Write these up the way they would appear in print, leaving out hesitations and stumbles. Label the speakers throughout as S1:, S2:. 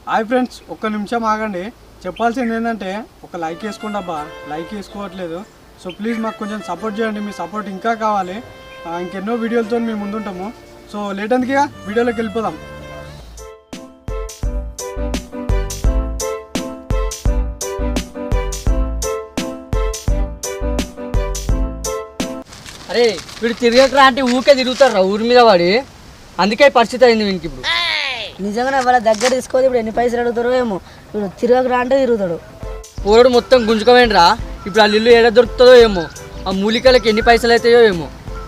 S1: Hi friends, ఒక్క నిమిషం ఆగండి. చెప్పాల్సింది ఏంటంటే ఒక లైక్ వేసుకోండి అబ్బా, లైక్ వేసుకోవట్లేదు. సో ప్లీజ్ మాకు కొంచెం సపోర్ట్ చేయండి, మీ సపోర్ట్ ఇంకా కావాలి. ఇంకెన్నో వీడియోలతో మేము ముందుంటాము. సో లేట్ అందుకే వీడియోలోకి వెళ్ళిపోదాం.
S2: అరే వీడు తిరగకరా అంటే ఊకే తిరుగుతారా ఊరి మీద వాడి, అందుకే పరిస్థితి అయింది వీనికి. ఇప్పుడు
S3: నిజంగానే వాళ్ళ దగ్గర తీసుకోవాలి. ఇప్పుడు ఎన్ని పైసలు అడుగుతారో ఏమో. ఇప్పుడు తిరగకరా అంటే తిరుగుతాడు.
S2: పోరడు మొత్తం గుంజుకోవేండ్రా. ఇప్పుడు ఆ ఇల్లు ఏడ దొరుకుతుందో ఏమో, ఆ మూలికలకి ఎన్ని పైసలు అవుతాయో ఏమో.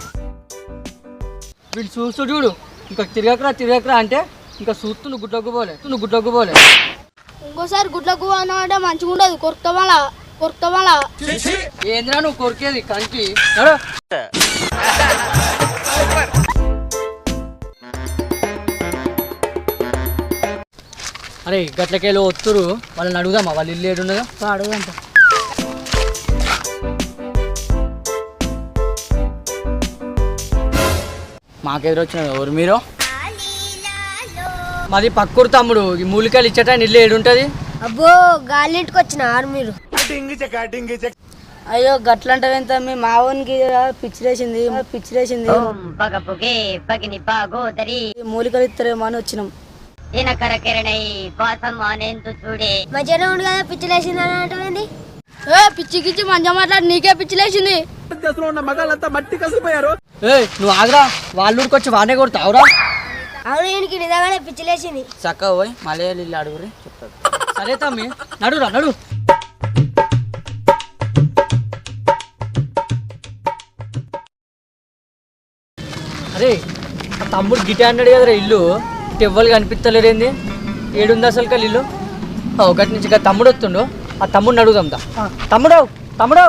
S2: వీడు చూస్తూ చూడు, ఇంకా తిరగకరా అంటే ఇంకా చూస్తూ నువ్వు గుడ్లకు పోలే.
S4: ఇంకోసారి గుడ్లకు అంటే మంచిగా ఉండదు. కొరుకుతామలా
S2: ఏంద్రా నువ్వు కొరికేది కంకి నడు. అరే గట్లకేలో వస్తురు, వాళ్ళని అడుగుదామా వాళ్ళ ఇల్లు ఏడున్నదో.
S3: అడుగుదాం.
S2: మాకెదురొచ్చిన ఎవరు మీరు? మాది పక్కూరు తమ్ముడు. ఈ మూలికలు ఇచ్చట ఇల్లు ఏడుంటది.
S4: అబ్బో గాలింటికి వచ్చిన మీరు.
S3: అయ్యో గట్లంటే మీ మావోనికి పిచ్చిలేసింది. మూలికలు ఇస్తారేమో అని వచ్చినాం.
S4: మధ్యాహ్నం ఉండి కదా పిచ్చిలేసింది అని అంటే పిచ్చికిచ్చి మంచిగా మాట్లాడి నీకే పిచ్చిలేసింది.
S2: నువ్వు ఆగరా, వాళ్ళ ఊరికి వచ్చి వానే కొడతావురా.
S4: అవును, ఈయనకి నిజంగానే పిచ్చిలేసింది.
S2: చక్కగా పోయి మలయాళీ ఇల్లు అడుగురి చెప్తాడు. సరే తమ్మి నడు. అరే ఆ తమ్ముడు గిటే అన్నాడు కదరా ఇల్లు, ఇటు ఎవ్వరు కనిపిస్తలేరేంది? ఏడుంది అసలు కల్ ఇల్లు? ఒకటి నుంచి తమ్ముడు వస్తుండు, ఆ తమ్ముడిని అడుగుదాం. తమ్ముడు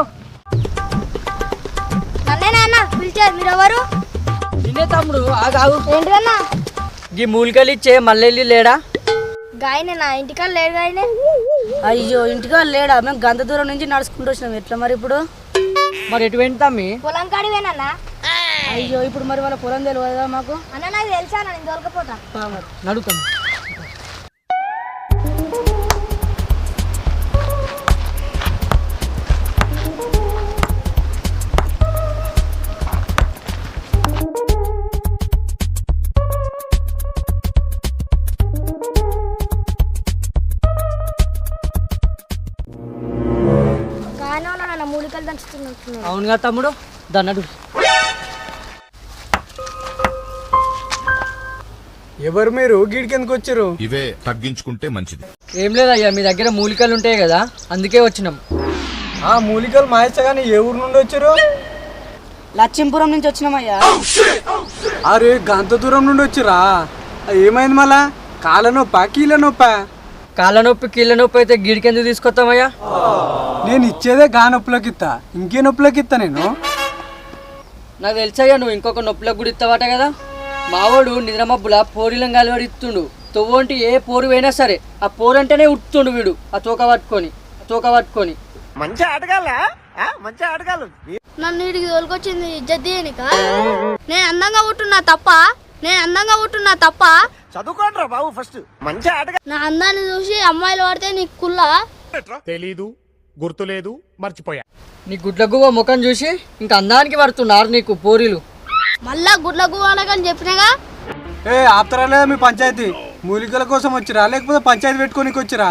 S4: నాన్న పిలిచారు, మీరు ఎవరు?
S2: నిన్నే తమ్ముడు. ఆగు.
S4: ఏంటిదన్నా?
S2: ఈ మూలికలు ఇచ్చే మల్లెల్లి లేడా?
S4: గాయనే నా ఇంటికాడ లేడు. గాయనే
S3: అయ్యో ఇంటికాడ లేడా? మేము గంత దూరం నుంచి నడుచుకుంటూ వచ్చినాం. ఎట్లా మరి ఇప్పుడు?
S2: మరి ఎటు వెంట తమ్మి?
S4: పొలం కాడివేనన్నా.
S3: అయ్యో ఇప్పుడు మరి వాళ్ళ పొలం తెలియదా మాకు?
S4: అన్న నాకు తెలుసా, నేను దొరకపోతా.
S2: నడుతాం.
S4: మూలికలు దంచుతున్నట్టు.
S2: అవునుగా తమ్ముడు, దన్నడు.
S1: ఎవరు మీరు? గీడికి ఎందుకు వచ్చారు?
S5: ఇవే తగ్గించుకుంటే మంచిది.
S2: ఏం లేదయ్యా, మీ దగ్గర మూలికలు ఉంటాయి కదా, అందుకే వచ్చినాం.
S1: ఆ మూలికలు మాయచ్చగాని ఏ ఊరు నుండి వచ్చారు?
S3: లక్ష్మీపురం నుంచి వచ్చినామయ్యా.
S1: అరే గంత దూరం నుండి వచ్చిరా? ఏమైంది మళ్ళా? కాళ్ళ నొప్పా కీళ్ళ నొప్పా?
S2: కాళ్ళ నొప్పి కీళ్ళ నొప్పి అయితే గిడికి ఎందుకు తీసుకొస్తామయ్యా?
S1: నేను ఇచ్చేదే గా నొప్పులకి ఇస్తా, ఇంకే నొప్పులకి ఇస్తా నేను.
S2: నాకు తెలుసయ్యా, నువ్వు ఇంకొక నొప్పులకు కూడా ఇస్తావట కదా. మావాడు నిద్రమబ్బుల పోరిలం గాలివాడు ఇస్తుండు. తొవ్వంటి ఏ పోరు అయినా సరే ఆ పోరు అంటేనే ఉట్టుతుండు వీడు, ఆ తోక పట్టుకొని.
S6: మంచి ఆటగాళ్ళు
S4: నన్ను వీడికి తోలుకొచ్చింది ఇజ్జత్ చేయనిక. నేను అందంగా ఉంటున్నా తప్ప
S6: చదువుకోండిరా బాబు ఫస్ట్. మంచి ఆటగా
S4: నా అందాన్ని చూసి అమ్మాయిలు పడితే నీకు కుల్లా?
S7: తెలీదు, గుర్తులేదు, మర్చిపోయా.
S2: నీ గుడ్లగువ్వ ముఖం చూసి ఇంకా అందానికి పడుతున్నారు నీకు పోరీలు.
S4: మళ్ళా గుడ్లకు అనకని చెప్పినగా.
S1: ఆపుతారా లేదా మీ పంచాయతీ? మూలికల కోసం వచ్చిరా లేకపోతే పంచాయతీ పెట్టుకోనికి వచ్చిరా?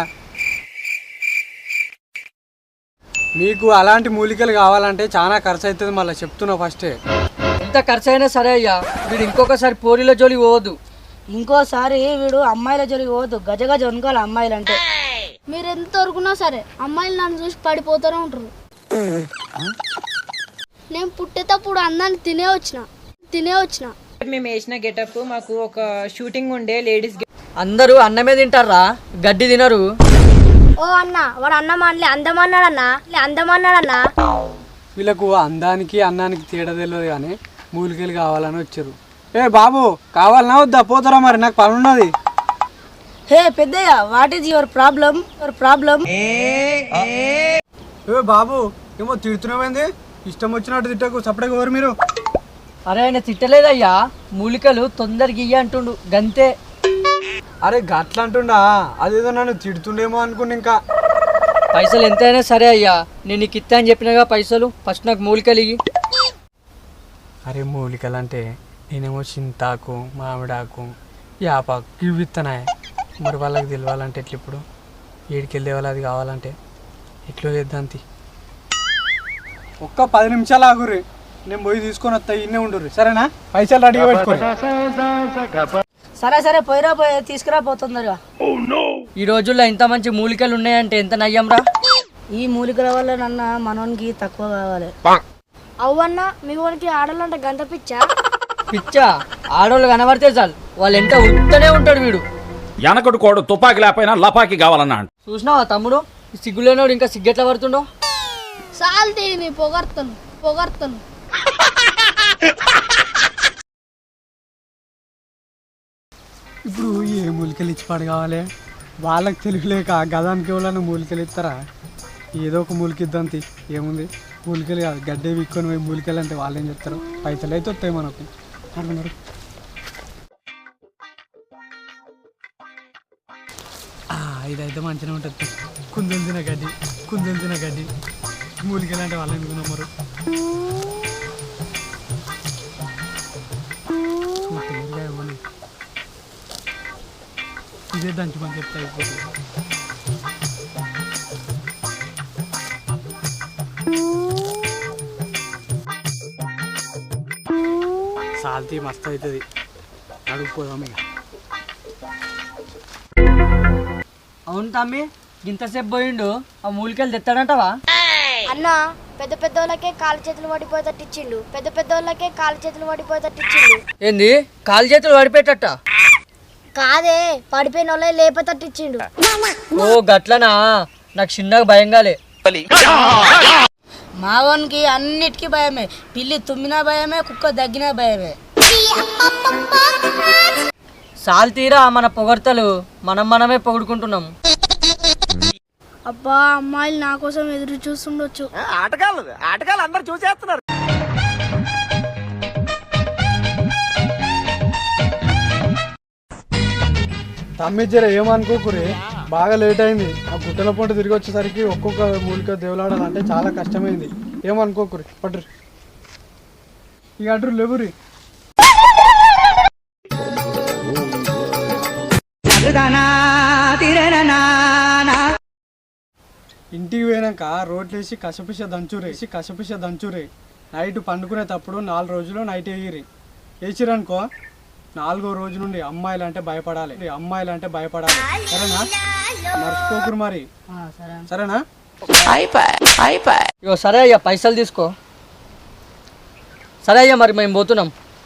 S1: మీకు అలాంటి మూలికలు కావాలంటే చాలా ఖర్చు అవుతుంది. మళ్ళీ చెప్తున్నా ఫస్టే.
S2: ఎంత ఖర్చు అయినా సరే అయ్యా, వీడు ఇంకొకసారి పోరీల జోలి పోవద్దు.
S3: ఇంకోసారి వీడు అమ్మాయిల జోలికి పోవద్దు. గజ వనుకోవాలి అమ్మాయిలు అంటే.
S4: మీరు ఎంత వరకున్నా సరే అమ్మాయిలు నన్ను చూసి పడిపోతూనే ఉంటారు. నేను పుట్టేటప్పుడు అందాన్ని తినే వచ్చిన.
S8: మేము వేసిన గెటప్ మాకు ఒక షూటింగ్ ఉండే లేడీస్.
S2: అందరూ అన్నమే తింటారా, గడ్డి తినరు.
S4: ఓ అన్న, వాడు అన్నమానలే అందమన్నాడన్నా.
S1: వీళ్ళకు అందానికి అన్నానికి తేడా తెలియదు కానీ మూలికలు కావాలని వచ్చారు. బాబు కావాలన్నా వద్దా? పోతారా మరి, నాకు పని ఉన్నది.
S3: హే పెద్దయ్య, వాట్ ఈజ్ యువర్ ప్రాబ్లం?
S1: బాబు ఏమో తిడుతున్నామైంది, ఇష్టం వచ్చినట్టు తిట్టకు. సపరేట్గా ఎవరు మీరు?
S2: అరే ఆయన తిట్టలేదయ్యా, మూలికలు తొందరగా ఇయ్య అంటుండు గంతే.
S1: అరే గట్ల అంటుండా, అదేదో నన్ను తిడుతుండేమో అనుకుని ఇంకా.
S2: పైసలు ఎంతైనా సరే అయ్యా, నేను నీకు ఇస్తా అని చెప్పినగా పైసలు. ఫస్ట్ నాకు మూలికలు ఇయ్యి.
S1: అరే మూలికలు అంటే నేనేమో చింతాకు, మామిడాకు, యాపాకు ఇవి ఇస్తున్నాయి. మరి వాళ్ళకి తెలియాలంటే ఎట్లా? ఇప్పుడు ఏడికెళ్ళి తేవాలి అది కావాలంటే ఎట్లో చేద్దాంతి. ఒక్క 10 నిమిషాలు ఆగుర్రి, నేను పోయి తీసుకొని వస్తా. ఇన్నే ఉండుర్రి సరేనా? పైసలు రెడీగా పెట్టుకోండి.
S3: సరే సరే పోయిరా, పోయి తీసుకురా పోతుందరుగా.
S2: ఈ రోజుల్లో ఇంత మంచి మూలికలు ఉన్నాయంటే ఎంత నయ్యంరా.
S3: ఈ మూలికల వల్ల నన్న మనోనికి తక్కువ కావాలి.
S4: అవ్వన్నా మీ వానికి ఆడాలంటే గంట పిచ్చా?
S2: పిచ్చా? ఆడోళ్ళు కనబడితే చాలు వాళ్ళు ఎంత ఉడుతూనే ఉంటాడు వీడు.
S9: వెనకడు కోడు తుపాకి లేకపోయినా లపాకి కావాలన్నా.
S2: చూసినావా తమ్ముడు, ఈ సిగ్గులేనోడు ఇంకా సిగ్గెట్లా పడుతుండో.
S4: సాల్తీ నీ పొగర్తను పొగర్తను.
S1: ఇప్పుడు ఏ మూలికలు ఇచ్చిపాడు కావాలి? వాళ్ళకి తెలియలేక గదానికి ఎవరైనా మూలికలు ఇస్తారా? ఏదో ఒక మూలిక ఇద్దాంతి. ఏముంది, మూలికలు కాదు గడ్డే విక్కొని పోయి మూలికలు అంటే వాళ్ళు ఏం చెప్తారు? పైసలు అయితే వస్తాయి మనకు. అనుకున్నారు ఇదైతే మంచిగా ఉంటుంది. కుందెంతిన గడ్డి, కుందెంతిన గడ్డి మూలికలు అంటే వాళ్ళు ఎందుకు నమ్మరు? ఇదే దంచుమని చెప్తా అయిపోతుంది. సాల్తీ మస్తు అవుతుంది. అడుగుపోదాం ఇక.
S2: అవును తమ్మి, ఇంతసేపు పోయిండు, ఆ మూలికలు తెస్తాడంటవా?
S4: అన్న పెద్ద పెద్ద వాళ్ళకే కాలు చేతులు పడిపోయేటట్టు ఇచ్చిండు. పెద్ద పెద్ద వాళ్ళకే కాలు చేతులు పడిపోయేటట్టు ఇచ్చిండు.
S2: ఏంది కాలు చేతులు పడిపోయేటట్ట?
S4: కాదే, పడిపోయిన వాళ్ళే లేపేటట్టు ఇచ్చిండు.
S2: ఓ గట్లనా? నాకు చిన్నగా భయంగాలే.
S3: మావోనికి అన్నిటికీ భయమే. పిల్లి తుమ్మినా భయమే, కుక్క దగ్గినా భయమే.
S2: సాల్తీరా మన పొగడ్తలు, మనమే పొగుడుకుంటున్నాం.
S4: అబ్బా అమ్మాయిలు నా కోసం ఎదురు చూస్తుండొచ్చు.
S6: ఆటగాళ్ళు అందరు చూసేస్తున్నారు.
S1: తమ్మిచ్చారా ఏమనుకోకురే, బాగా లేట్ అయింది. ఆ గుట్టల పొంట తిరిగి వచ్చేసరికి ఒక్కొక్క మూలిక దేవులాడాలంటే చాలా కష్టమైంది. ఏమనుకోకురి, పట్టురు ఇక అడ్రు లేవురి. ఇంటికి పోయినాక రోట్లేసి కసపిస దంచురే. నైట్ పండుకునేటప్పుడు 4 రోజులు నైట్ వేయిరి. వేసిరనుకో 4వ రోజు నుండి అమ్మాయిలు అంటే భయపడాలి. సరేనా? మర్చిపోకురు మరి. సరేనా?
S2: ఇగో సరే అయ్యా, పైసలు తీసుకో. సరే అయ్యా, మరి మేము పోతున్నాం.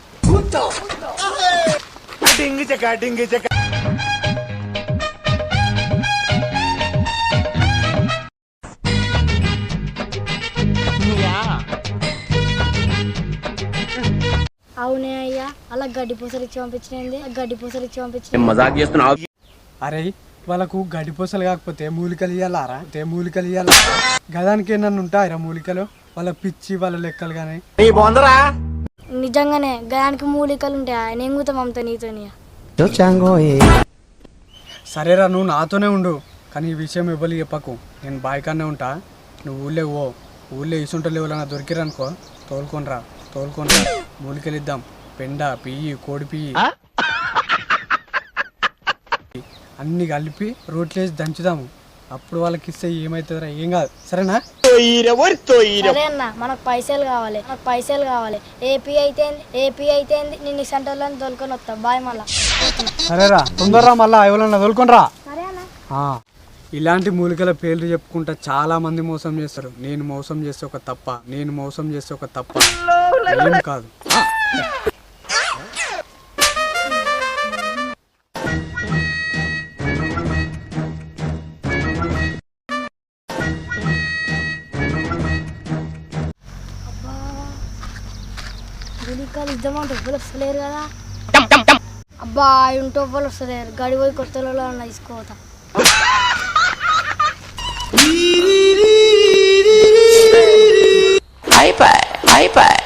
S4: అవునే అయ్యా, అలా గడ్డి పూసలు ఇచ్చి పంపించింది.
S1: అరే వాళ్ళకు గడ్డిపూసలు కాకపోతే మూలికలు ఇయ్యాలారా? మూలికలు ఇయ్యాల. గదానికి ఏమన్నా ఉంటాయిరా మూలికలు? వాళ్ళ పిచ్చి వాళ్ళ లెక్కలు కానీ.
S4: నిజంగానే గదానికి మూలికలు ఉంటాయా? నెంగుతాం అమ్మతో నీతోని.
S1: సరేరా, నువ్వు నాతోనే ఉండు, కానీ ఈ విషయం ఇవ్వలేదు చెప్పకు. నేను బాయికానే ఉంటా, నువ్వు ఊళ్ళో ఇసుంటలు ఎవరైనా దొరికిరనుకో తోలుకొనిరా. మూలికలు ఇద్దాం. పెండ, పియ్యి, కోడి పియ్యి అన్ని కలిపి రోట్లేసి దంచుదాము. అప్పుడు వాళ్ళకి ఇస్తే ఏమవుతుందిరా? ఏం కాదు. సరేనా?
S4: సరే అన్న, మనకు పైసలు కావాలి. ఏపీ అయితే నేను ఈ సెంటర్లో తోలుకొని వస్తా. బాయ్ మళ్ళా.
S1: సరేరా, తొందరరా, మళ్ళా ఎవరన్నా తోలుకొనిరా.
S4: సరే అన్న.
S1: ఇలాంటి మూలికల పేర్లు చెప్పుకుంటా చాలా మంది మోసం చేస్తారు. నేను మోసం చేస్తే ఒక తప్ప ఏం కాదు.
S4: మూలికలు ఇద్దామంటే ఎవ్వరు వస్తలేరు కదా. అబ్బా ఇంటో ఎవ్వరు వస్తలేరు. గడి పోయి కొత్తలో ఉన్న తీసుకోతా.
S6: అయిపోయి